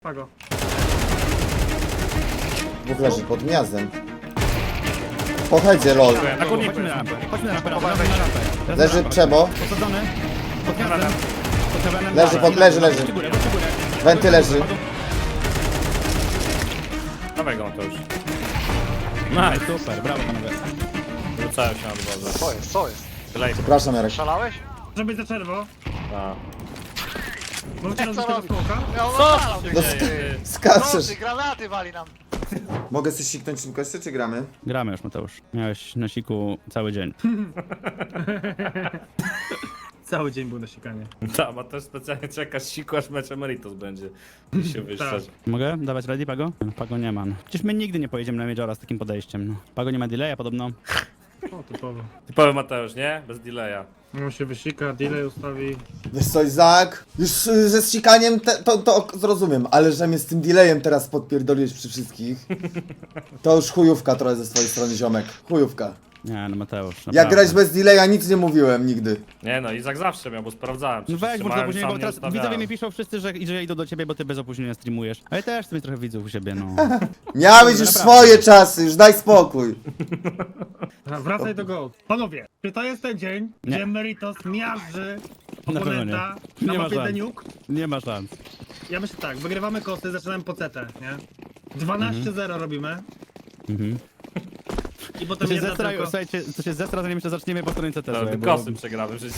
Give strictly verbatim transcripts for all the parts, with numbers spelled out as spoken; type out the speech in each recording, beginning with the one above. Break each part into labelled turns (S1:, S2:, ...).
S1: Pago.
S2: Dwóch leży pod gniazdem. Po headzie, lol.
S3: Na górnie chodźmy na rampę. Chodźmy na rampę, rampę, rampę, rampę.
S2: Leży przebo.
S3: Posadzony. Pod gniazdem. Pod heavenem.
S2: Leży, pod, leży, leży.
S3: Chodźcie górę, chodźcie górę.
S2: Wenty leży.
S4: Dawaj go to już.
S3: Nice, super, brawo panowie.
S4: Wrzucałem się na dworze.
S5: Co jest, co jest?
S4: Tyle.
S2: Przepraszam, Jarek.
S5: Szalałeś?
S1: Żeby być za czerwo.
S4: A.
S1: Możecie
S5: Co
S1: robić tego
S5: robi?
S1: smoka?
S5: Ja on
S4: Co?
S5: szalał,
S2: No,
S5: ty, ty.
S2: Skaczesz.
S5: Nocy, granaty wali nam.
S2: Mogę coś siknąć szybko jeszcze, czy gramy?
S3: Gramy już, Mateusz. Miałeś na siku cały dzień.
S1: Cały dzień był na sikanie.
S4: Ta, ma też specjalnie czeka siku, aż mecz Emeritus będzie. I się wyszczać.
S3: Mogę dawać ready, Pago? Pago nie ma. No. Przecież my nigdy nie pojedziemy na Majora z takim podejściem. No. Pago nie ma delaya podobno.
S1: O, typowo.
S4: Typowy Mateusz, nie? Bez delaya.
S1: On się wysika, delay ustawi.
S2: Wiesz co, Izak? Już y, ze ścikaniem te, to, to zrozumiem, ale że mnie z tym delayem teraz podpierdoliłeś przy wszystkich, to już chujówka trochę ze swojej strony, ziomek. Chujówka.
S3: Nie, no Mateusz.
S2: Jak
S3: naprawdę.
S2: grać bez delaya, nic nie mówiłem nigdy.
S4: Nie no, Izak zawsze miał, bo sprawdzałem.
S3: No weź,
S4: Wszyscy
S3: bo
S4: mają,
S3: to opóźnienie,
S4: sam
S3: bo
S4: nie
S3: teraz
S4: ustawiałem.
S3: widzowie mi piszą wszyscy, że, że idą do ciebie, bo ty bez opóźnienia streamujesz. Ale też sobie trochę widzów u siebie, no.
S2: Miałeś już swoje czasy, już daj spokój.
S1: Dobra, Wracaj do Gold. Panowie, czy to jest ten dzień,
S3: Nie.
S1: gdzie Meritos miażdży
S3: pewno nie.
S1: oponenta
S3: Nie
S1: na
S3: ma
S1: mapie
S3: szans.
S1: Deniuk?
S3: Nie ma szans.
S1: Ja myślę tak, wygrywamy kosty, zaczynamy po C T, nie? dwanaście zero robimy.
S3: Mhm.
S1: I
S3: To
S1: potem
S3: się
S1: jedna
S3: zestra,
S1: tylko...
S3: słuchajcie, to się zestra, zanim jeszcze zaczniemy po stronie C T.
S4: No,
S3: słuchaj,
S4: ty
S3: bo-
S4: kosy przegramy przecież.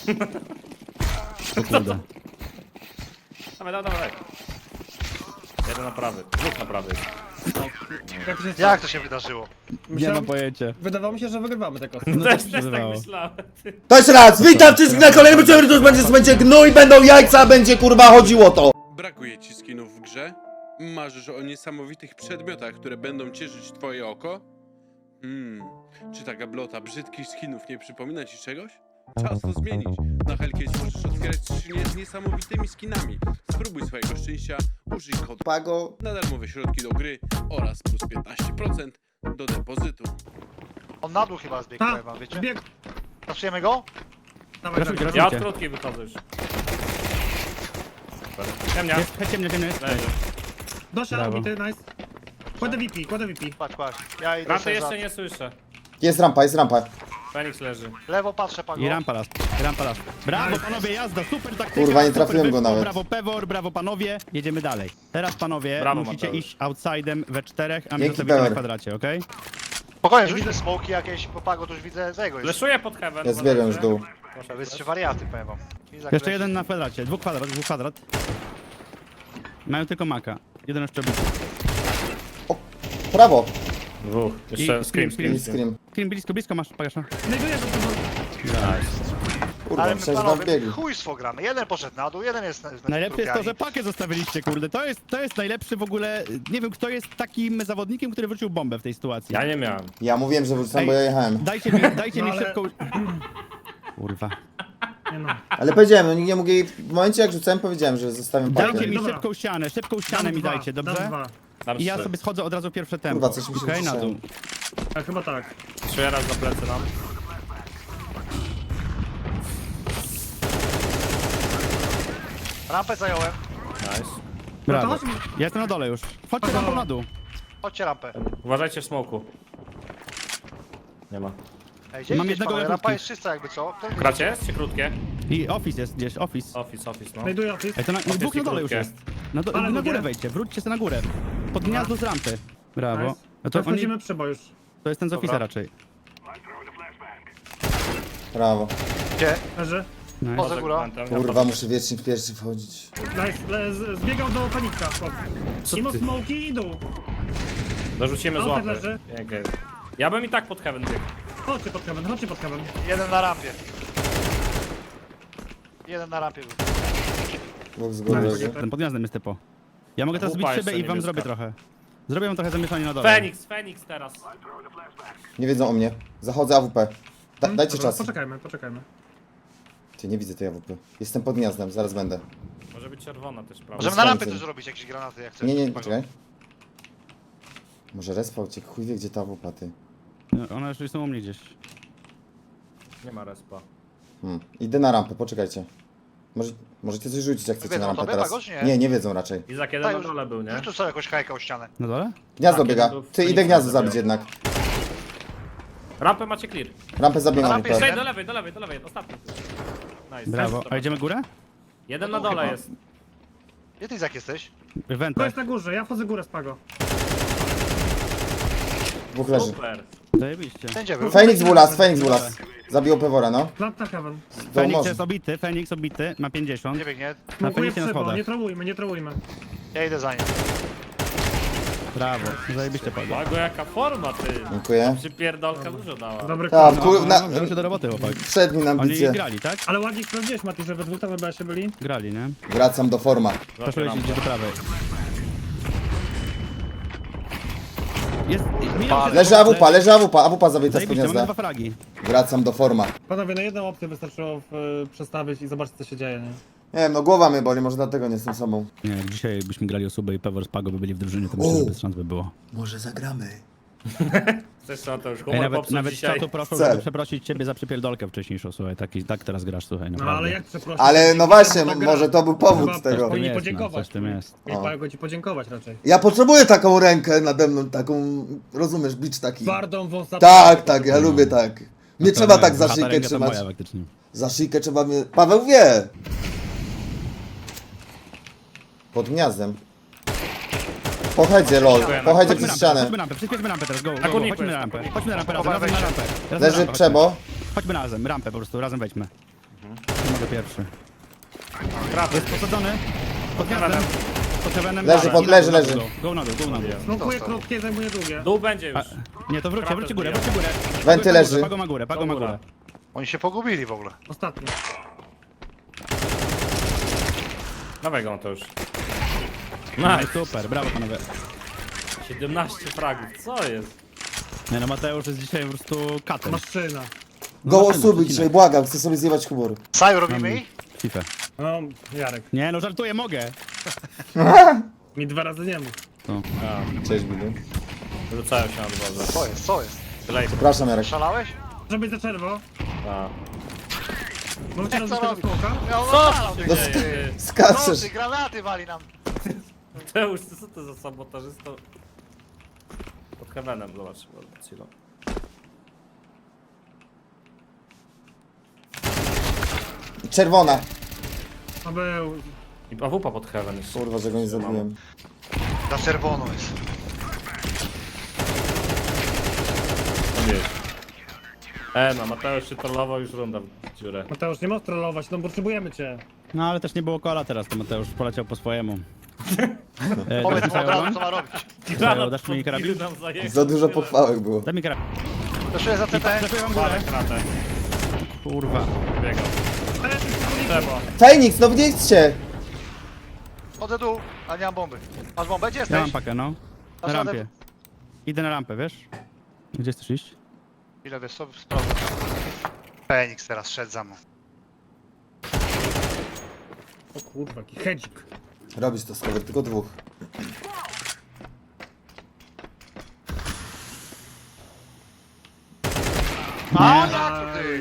S3: O kurde.
S4: Dawaj, dawaj, dawaj. Jeden na prawy, dwóch na prawy.
S1: Jak to się
S5: Jak to się wydarzyło?
S3: Nie
S1: Myślałem-
S3: mam pojęcia.
S1: Wydawało mi się, że wygrywamy te kosty.
S3: No
S4: Też,
S3: tak się
S4: też tak
S3: wydawało.
S4: myślałem.
S2: To jeszcze raz, witam wszystkich na kolejnym odcinku, to już będzie, będzie gnój, będą jajca, będzie kurwa chodziło to.
S6: Brakuje ci skinów w grze? Marzysz o niesamowitych przedmiotach, które będą cieszyć twoje oko? Hmm, czy ta gablota brzydkich skinów nie przypomina ci czegoś? Czas to zmienić. Na Hellcase możesz otwierać skrzynie z niesamowitymi skinami. Spróbuj swojego szczęścia, użyj kodu
S2: Pago,
S6: na darmowe środki do gry oraz plus piętnaście procent do depozytu.
S5: On na dół chyba zbiegł,
S1: Ha!
S5: powiem wam, wiecie?
S1: Zbieg!
S5: Zaczniemy go?
S1: Dawaj,
S3: Raszujcie,
S1: dawaj.
S4: Ja od
S3: raszujcie.
S4: krótkiej wychodzę już. Ciemnia.
S3: Jest, chodź ciemnie, ciemnie jest.
S4: Leży.
S1: Dosia,
S3: Brawo.
S1: ubity, nice. Kładę V P, kładę V P.
S5: Patrz, patrz. Ja idę
S4: Rampy
S5: sobie
S4: jeszcze
S5: za...
S4: nie słyszę.
S2: jest rampa, jest rampa.
S4: Fenix leży.
S5: Lewo patrzę, Pago.
S3: I rampa raz, i rampa raz. Brawo panowie, jazda, super taktyka.
S2: Kurwa, nie
S3: super
S2: trafiłem go
S3: wyszło,
S2: nawet.
S3: Brawo Pewor, brawo panowie. Jedziemy dalej. Teraz panowie
S4: Brawo,
S3: musicie
S4: Mateusz.
S3: iść outside'em we czterech, a my
S2: Dzięki,
S3: zostawimy na
S2: Pewor.
S3: kwadracie, okej?
S5: Spokojnie, rzućmy smoki jakieś, bo Pago to już widzę z jego już.
S4: Leszuję pod heaven.
S2: Ja zbiegłem już w dół.
S4: Proszę,
S5: Wy jesteście wariaty, powiem wam. Izak
S3: Jeszcze
S5: leci.
S3: jeden na kwadracie, dwóch kwadrat, dwóch kwadrat. Mają tylko maka. Jeden jeszcze obity.
S2: Prawo.
S4: Dwóch. Jeszcze
S3: I-
S4: scream,
S3: scream,
S4: scream,
S2: I
S4: scream.
S2: scream.
S3: Screen blisko, blisko masz, Pagasza.
S1: Znajduję to,
S2: Kurwa,
S5: Ale my
S2: przecież wam
S5: panowie,
S2: biegli.
S5: chujstwo gramy. Jeden poszedł na dół, jeden jest na, na
S3: Najlepsze jest to, że
S5: trupiami.
S3: pakę zostawiliście, kurde. To jest, to jest najlepszy w ogóle. Nie wiem, kto jest takim zawodnikiem, który wrócił bombę w tej sytuacji.
S4: Ja nie miałem.
S2: Ja mówiłem, że wrócę,
S3: Ej.
S2: bo ja jechałem.
S3: Dajcie mi, dajcie
S1: No
S3: mi
S1: ale-
S3: szybką. Kurwa.
S1: Nie no.
S2: Ale powiedziałem, no nikt nie mógł jej... W momencie jak rzucałem, powiedziałem, że zostawiam pakę.
S3: Dajcie mi
S1: Dobra.
S3: szybką ścianę, szybką ścianę
S1: Dam
S3: mi
S1: dwa,
S3: dajcie,
S1: dam
S3: dobrze?
S1: dwa.
S4: Dam
S3: I ja
S4: trzy.
S3: sobie schodzę od razu pierwsze tempo.
S2: Kurwa, coś mi się
S3: Okej, na
S2: wyciszyło.
S3: dół.
S1: A, chyba tak.
S4: Czuję raz za plecy nam.
S5: Rampę zająłem.
S4: Nice.
S3: Brawo.
S1: chodź mi-
S3: Ja jestem na dole już. Chodźcie
S1: Aha.
S3: rampą na dół.
S5: Chodźcie rampę.
S4: Uważajcie w smoku. Nie ma.
S5: Ej, gdzie
S3: Mam
S5: idziesz,
S3: jednego
S5: panowie?
S3: na
S5: Rampa
S3: krótki.
S5: jest czysta jakby co? Kto-
S4: Kracie jest czy krótkie?
S3: I office jest gdzieś, office.
S4: Office, office, no.
S1: Znajduję office.
S3: Ej, to na,
S4: Office
S3: dwóch
S4: i
S3: na dole już
S4: krótkie.
S3: jest. Na, do,
S1: Ale
S3: na
S1: drugie?
S3: górę wejdźcie, wróćcie sobie na górę. Pod gniazdo z rampy. Brawo.
S1: Nice.
S3: No to,
S1: To
S3: oni,
S1: wchodzimy przebo już.
S3: to jest ten z office'a
S4: Dobra.
S3: raczej.
S2: Prawo.
S5: Gdzie?
S1: Leży.
S3: Nice.
S5: Poza górą.
S2: Kurwa, muszę wiecznie pierwszy wchodzić.
S1: Nice. Le, z, zbiegał do panika.
S4: Co
S1: Mimo
S4: ty?
S1: smoki i dół.
S4: Dorzucimy z
S1: Autek
S4: łapy.
S1: leży.
S4: Pięknie. Ja bym i tak pod heaven biegł.
S1: Chodźcie pod kamen, chodźcie pod kamen.
S5: Jeden na rampie. Jeden na rampie był.
S2: Dwóch z góry leży.
S3: Ten pod gniazdem jest typo. Ja mogę teraz
S4: Wupa
S3: zbić szybę
S4: jeszcze
S3: i wam
S4: niebieska.
S3: zrobię trochę. Zrobię wam trochę zamieszanie na dole.
S4: Fenix, Fenix teraz.
S2: Nie wiedzą o mnie. Zachodzę A W P. Da, dajcie
S1: Dobra,
S2: czas.
S1: Poczekajmy, poczekajmy.
S2: Ty, nie widzę tej A W P. Jestem pod gniazdem, zaraz będę.
S4: Może być czerwona też, prawda?
S5: Możemy na rampie
S2: Słońce.
S5: też zrobić jakieś granaty jak chcesz.
S2: Nie, nie,
S5: Pago.
S2: czekaj. Może respa uciekł, chuj wie gdzie ta A W P, ty.
S3: No, one już są u mnie gdzieś.
S4: Nie ma respa.
S2: Hmm. Idę na rampę, poczekajcie. Może, możecie coś rzucić jak chcecie
S5: Wiedzą
S2: na rampę
S5: tobie,
S2: teraz.
S5: Pago, czy nie?
S2: Nie, nie wiedzą raczej.
S4: Izak jeden
S5: Daj
S4: na
S5: już,
S4: dole był, nie?
S5: rzuć tu sobie jakąś hajkę o ścianę.
S3: Na dole?
S2: Gniazdo
S4: Tak,
S2: biega.
S4: jeden był w
S2: Ty, idę
S4: Phoenixa
S2: gniazdo
S4: zabił.
S2: zabić jednak.
S4: Rampę macie clear.
S2: Rampę zabiegam.
S5: rampie
S2: Rampę.
S5: jest-
S4: Przejdź do lewej, do lewej, do lewej, ostatni. Nice.
S3: Brawo.
S4: Nice.
S3: A idziemy górę?
S4: Jeden na dole jest.
S5: Gdzie ty Izak jesteś?
S1: To
S3: Wentę.
S1: jest na górze, ja wchodzę górę z Pago.
S2: Dwóch leży.
S4: Super.
S3: Zajebiście.
S5: Wszędzie był.
S2: Feniks Wulas, Feniks Wulas. Zabił Pewora, no.
S1: Plant na heaven.
S2: To
S3: Feniks
S2: może.
S3: jest obity, Feniks obity, ma pięćdziesiąt.
S5: Nie biegnie.
S3: Na
S1: Smokuję
S3: Feniksie na
S1: przybo,
S3: schodach.
S1: nie trołujmy, nie trołujmy.
S5: Ja idę za nim.
S3: Brawo, zajebiście Pago.
S4: Mago, jaka forma, ty.
S2: Dziękuję.
S4: Przypierdolka dużo dała.
S1: Dobry
S2: Tak,
S1: kurs.
S2: wpływ na...
S3: No, wziął się do roboty, chłopak.
S2: Wszedł mi na
S3: Oni
S2: ambicje.
S3: grali, tak?
S1: Ale ładnie sprawdziłeś, Mati, że we dwóch tam chyba się byli.
S3: Grali, nie?
S2: Wracam do forma.
S3: Proszę iść do prawej. Jest... minął się-
S2: Leży AWP, leży AWP, AWP zabita z
S3: Zajebiście, mamy
S2: gniazda.
S3: dwa fragi.
S2: Wracam do forma.
S1: Panowie, na jedną opcję wystarczyło y, przestawić i zobaczyć, co się dzieje, nie?
S2: Nie wiem, no głowa mnie boli, może dlatego nie jestem sobą.
S3: Nie, jak dzisiaj jakbyśmy grali osobę i Pewor z Pago by byli w drużynie, to myślę, że bez szans by było.
S2: Może zagramy.
S4: Chcesz co, to już
S3: Ej,
S4: humor
S3: nawet
S4: popsuł
S3: nawet z
S4: dzisiaj.
S3: czatu proszę,
S2: Chcę.
S3: żeby przeprosić ciebie za przypierdolkę wcześniejszą, słuchaj, taki, tak teraz grasz, słuchaj,
S1: No
S3: naprawdę.
S1: ale jak przeprosić?
S2: Ale no właśnie,
S1: To gra.
S2: może to był powód
S1: Chyba
S2: tego.
S3: Coś w tym
S1: Powinni
S3: jest, no,
S1: podziękować.
S3: coś w tym jest.
S1: Mieli
S2: O.
S1: Pago ci podziękować raczej.
S2: Ja potrzebuję taką rękę nade mną, taką, rozumiesz, bicz taki.
S1: Twardą, wąsatą.
S2: Tak, tak, ja lubię tak. Nie
S3: To
S2: trzeba
S3: moja-
S2: tak za
S3: ta
S2: szyjkę
S3: ręka to
S2: trzymać.
S3: moja, faktycznie.
S2: Za szyjkę trzeba mnie... Paweł wie! Pod gniazdem. Pochedzie, lol. Pochedzie
S3: Chodźmy
S2: przez
S3: rampę,
S2: ścianę.
S3: chodźmy rampę, przyspieszmy rampę teraz, go, go,
S4: Na
S3: go,
S4: kurniku
S3: chodźmy na
S4: jest,
S3: rampę,
S4: na
S3: chodźmy na rampę, razem,
S5: Dobra,
S3: razem na
S5: weźcie.
S3: rampę. Razem na
S2: Leży
S3: rampę,
S2: przebo.
S3: chodźmy. Chodźmy razem, rampę po prostu, razem wejdźmy. Nie mogę pierwszy.
S4: Kraty.
S3: Jest posadzony, pod gniazdem, pod heavenem.
S2: Leży,
S3: Dobra,
S2: pod-
S3: i na
S2: leży,
S3: dół,
S2: leży.
S3: na dół, Go na dół, go na dół.
S1: Smokuję krótkie, zajmuję długie.
S4: Dół będzie już.
S3: A, nie, to wróćcie,
S4: Kratę
S3: wróćcie górę,
S4: zbijam.
S3: wróćcie górę.
S2: Wenty
S3: Pago ma
S2: leży.
S3: górę, Pago ma górę, Pago ma
S4: Góra.
S3: górę.
S5: Oni się pogubili w ogóle.
S1: Ostatni.
S4: Dawaj go, to już.
S3: No
S4: Nice.
S3: i super, brawo panowie.
S4: siedemnaście fragów, co jest?
S3: Nie no, Mateusz jest dzisiaj po prostu katem.
S1: Maszyna.
S2: Goło
S3: No,
S2: suby
S3: no,
S2: dzisiaj, błagam, chcę sobie zjebać humor.
S5: Saju robimy ich?
S3: FIFA.
S1: No, Jarek.
S3: Nie no, żartuję, mogę.
S1: Mi dwa razy nie mów.
S2: Cześć, Bilu.
S4: Rzucają się na dworze.
S5: Co jest, co jest?
S4: Tyle
S2: Przepraszam, Jarek.
S5: Szalałeś?
S1: Może być za czerwo.
S4: A.
S1: Możecie rozbić
S5: co
S1: tego
S5: robi?
S1: smoka?
S5: Ja on
S4: Co
S5: szalał,
S4: się
S5: ty.
S4: dzieje, ty?
S2: Skaczesz.
S5: Nocy, granaty wali nam.
S4: Mateusz, ty co to za sabotażysto? Pod heavenem, zobacz. Cilo.
S2: Czerwona.
S1: To był...
S4: I awupa pod heaven jeszcze.
S2: Kurwa, że go nie zabiłem.
S5: Na czerwono jest.
S4: Wiesz. E, no Mateusz się trollował, już runda w dziurę.
S1: Mateusz, nie możesz trollować, no potrzebujemy cię.
S3: No ale też nie było kola teraz, to Mateusz poleciał po swojemu. E,
S5: Powiedz
S3: dasz
S5: mu
S3: mi
S5: od razu,
S3: Sajowan?
S5: co ma robić.
S3: Sajo, dasz mi karabin?
S4: nam zajechał.
S2: Za dużo pochwałek było.
S3: Daj mi karabin.
S5: Proszę za C T.
S3: Trafiłem wam górę.
S4: Palę kratę.
S3: Kurwa.
S4: Biegał. Trzeba.
S2: Feniks, no nie idźcie!
S5: Chodzę dół, a nie mam bomby. Masz bombę? Gdzie
S3: Ja mam
S5: jesteś?
S3: pakę, no. Na
S5: Dasz radę?
S3: rampie. Idę na rampę, wiesz? Gdzie chcesz iść?
S5: Ile wiesz, co? Sprawdzę. Feniks teraz szedł za mną.
S1: O kurwa, jaki hedzik.
S2: Robisz to, Skower, tylko dwóch.
S5: A, jak ty?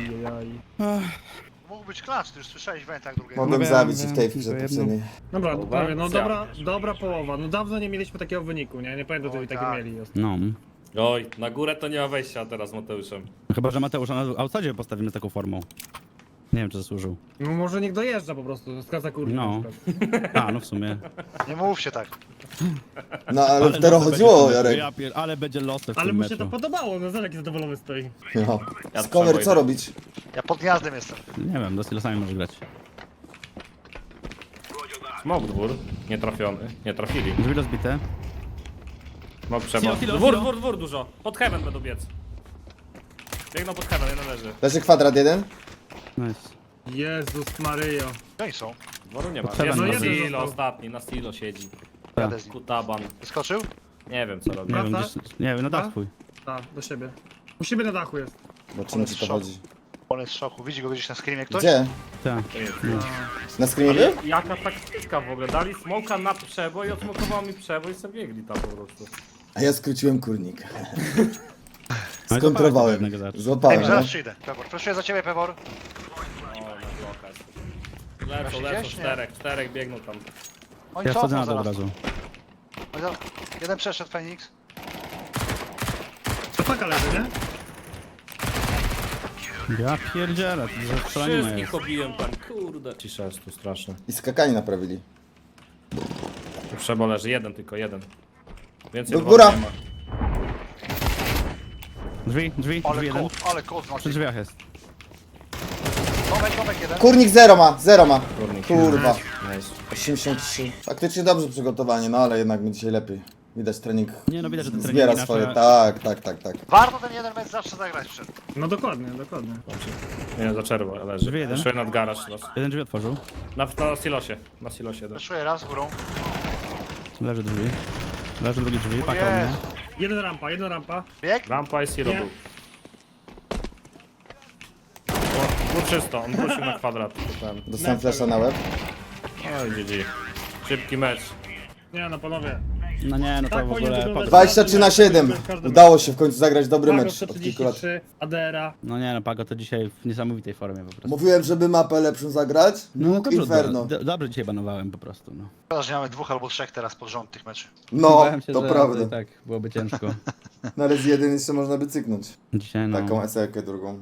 S5: Mógł być klacz, ty już słyszałeś w wentach drugiego.
S2: Mogłem
S3: wiem,
S2: zabić i
S3: wiem,
S2: w tej
S3: tylko
S2: chwili
S3: jedno.
S2: poprzedniej.
S1: Dobra,
S4: Połowa?
S1: prawie, no
S4: Zjadł.
S1: dobra, dobra połowa. No dawno nie mieliśmy takiego wyniku, nie? Nie pamiętam, żeby
S5: Oj,
S1: takie
S5: tak.
S1: mieli.
S3: No.
S4: Oj, na górę to nie ma wejścia teraz z Mateuszem.
S3: Chyba, że Mateusza na outside postawimy z taką formą. Nie wiem, czy zasłużył.
S1: No może niech dojeżdża po prostu, z kasa kurwa.
S3: No. A, no w sumie.
S5: Nie mów się tak.
S2: No ale w
S3: losy
S2: tero
S3: będzie
S2: chodziło,
S3: w tym meczu.
S2: Jarek.
S3: Ja pier... Ale będzie losy w
S1: Ale
S3: tym
S1: mu się
S3: meczu.
S1: to podobało, no zobacz jaki zadowolony stoi.
S2: No.
S4: Ja
S2: Skower,
S4: trzeba
S2: co
S4: idę.
S2: robić?
S5: Ja pod gniazdem jestem.
S3: Nie wiem, do silosami może grać.
S4: Smok dwór. Nie trafiony. Nie trafili.
S3: Drzwi rozbite.
S4: Smok trzeba.
S3: Silo, silo,
S4: Dwór,
S3: silo.
S4: dwór, dwór dużo. Pod heaven będą biec. Biegną pod heaven, jeden leży.
S2: Leży kwadrat jeden?
S3: Nice.
S1: Jezus Maryjo.
S5: No i są.
S4: Dworu nie ma.
S3: Pod heaven
S4: Jest na
S1: jeden
S4: silo
S1: został.
S4: ostatni, na silo siedzi.
S5: Jadę z nim.
S4: Kutaban.
S5: Wyskoczył?
S4: Nie wiem co robi.
S3: Nie wiem,
S1: Wraca?
S3: gdzieś... Nie wiem, no dach twój.
S1: Tak, do siebie. U siebie na dachu jest.
S2: Bo czym ci to chodzi?
S5: On jest w szoku. Widzi go gdzieś na screamie ktoś?
S2: Gdzie?
S3: Tak.
S4: To jest.
S2: Na screamie był?
S4: Jaka taktyka w ogóle? Dali smoka na przeboj, odsmokował mi przeboj i sobie biegli tam po prostu.
S2: A ja skróciłem kurnik.
S3: No i
S2: Skontrowałem.
S3: jednego zaraz.
S5: Ej,
S2: Złapałem,
S5: zaraz
S2: no.
S5: przyjdę. Pewor. Proszę za ciebie, Pewor.
S4: O, na bloka jest. Lecą,
S5: Właśnie
S4: lecą,
S5: gdzieś, nie?
S4: czterech, czterech biegną tam.
S5: Oni
S3: Ja wchodzę
S5: cofną
S3: na dół od
S5: zaraz.
S3: razu.
S5: Oni za- Jeden przeszedł, Fenix.
S1: To paka leży, nie?
S3: Ja pierdzielę, to za strzelanina jest.
S4: Wszystkich obiłem tam, kurde. Cisza jest tu straszna.
S2: I skakanie naprawili.
S4: Tu Przebo leży, jeden tylko, jeden. Więcej
S2: Do
S4: dwóch
S2: góra.
S4: nie ma.
S3: Drzwi, drzwi,
S5: Ale
S3: drzwi jeden.
S5: kod, ale kod
S3: Przy
S5: znaczy.
S3: drzwiach jest.
S5: Domek, domek jeden.
S2: Kurnik zero ma, zero ma.
S4: Kurnik.
S2: Kurwa.
S4: Nice.
S2: osiemdziesiąt trzy. Faktycznie dobrze przygotowanie, no ale jednak my dzisiaj lepiej. Widać trening
S3: Nie no, widać, że te treningi
S2: zbiera
S3: nasze-
S2: swoje. Tak, tak, tak, tak.
S5: Warto ten jeden mecz zawsze zagrać przed.
S1: No dokładnie, dokładnie.
S4: Nie, za czerwo leży.
S3: Drzwi jeden.
S4: Jeszcze nad garaż los.
S3: Jeden drzwi otworzył.
S4: Na, na silosie, na silosie jeden.
S5: Wyszuję raz górą.
S3: Leży drzwi. Leży drugi drzwi, paka u mnie.
S5: Jest.
S1: Jeden rampa, jeden rampa.
S5: Bieg?
S4: Rampa i silo
S1: Nie.
S4: był. O, był czysto, on wrócił na kwadrat. to ten.
S2: Dostałem flasha na łeb.
S4: No i G G. Szybki mecz.
S1: Nie no, panowie.
S3: No nie, no to
S1: Tak
S3: w
S1: powinien
S3: ogóle...
S1: wyglądać.
S2: dwadzieścia trzy na siedem. Udało się w końcu zagrać dobry
S1: Pago
S2: mecz od kilku lat.
S1: sto trzydzieści trzy, Adera.
S3: No nie no, Pago to dzisiaj w niesamowitej formie po prostu.
S2: Mówiłem, żeby mapę lepszą zagrać.
S3: No
S2: Bóg
S3: dobrze,
S2: Inferno.
S3: do, dobrze dzisiaj banowałem po prostu, no.
S5: Szkoda, że nie mamy dwóch albo trzech teraz pod rząd tych meczy.
S2: No,
S3: Bałem się,
S2: to
S3: że
S2: prawda.
S3: Tak, byłoby ciężko.
S2: Na raz jeden jeszcze można by cyknąć.
S3: Dzisiaj no...
S2: Taką esekę drugą.